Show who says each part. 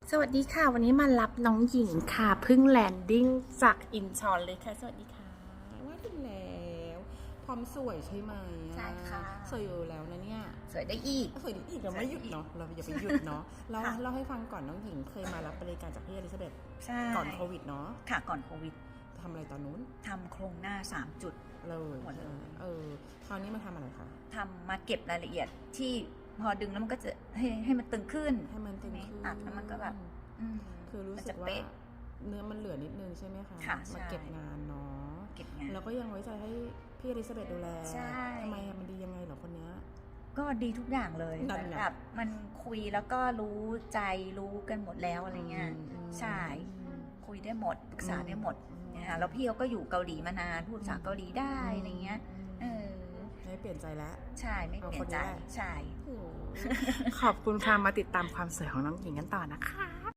Speaker 1: สวัสดีค่ะวันนี้มารับน้องหญิงค่ะเพิ่งแลนดิ้งจากอินชอนเลยค่ะสวัสดีค่ะ
Speaker 2: ว่าถึงแล้วพร้อมสวยใช่ไหม
Speaker 1: ใช่ค่ะ
Speaker 2: สวยอยู่แล้วนะเนี่ย
Speaker 1: สวยได้อีก
Speaker 2: สวยอีกเราไม่หยุดเนาะเราอย่าไปหยุดเนาะเล่าให้ฟังก่อนน้องหญิงเคยมารับบริการจากพี่อลิซาเบธก่อนโควิดเนาะ
Speaker 3: ค่ะก่อนโควิด
Speaker 2: ทำอะไรตอนนู้น
Speaker 3: ทำโครงหน้า3 จุด
Speaker 2: เลย
Speaker 3: หมดเลย
Speaker 2: คราวนี้มาทำอะไรคะ
Speaker 3: ทำมาเก็บรายละเอียดที่พอดึงแล้วมันก็จะให้มันตึงขึ้นตัดแล้วมันก็แบบ
Speaker 2: คือรู้สึกว่าเนื้อมันเหลือนิดนึงใช่ไหมคะมาเก็บงานเนาะ
Speaker 3: เก็บงาน
Speaker 2: แล้วก็ยังไว้ใจให้พี่อลิซาเบธดูแลทำไมมันดียังไงเหรอคนเนี้ย
Speaker 3: ก็ดีทุกอย่างเลยแบบมันคุยแล้วก็รู้ใจรู้กันหมดแล้วอะไรเงี้ยใช่คุยได้หมดปรึกษาได้หมดนะคะแล้วพี่เขาก็อยู่เกาหลีมานานพูดภาษาเกาหลีได้อะไรเงี้ย
Speaker 2: ไม่เปลี่ยนใจแล้ว
Speaker 3: ใช่ไม่เปลี่ยนใจใช่
Speaker 1: ขอบคุณค่ะมาติดตามความสวยของน้องหญิงกันต่อนะคะ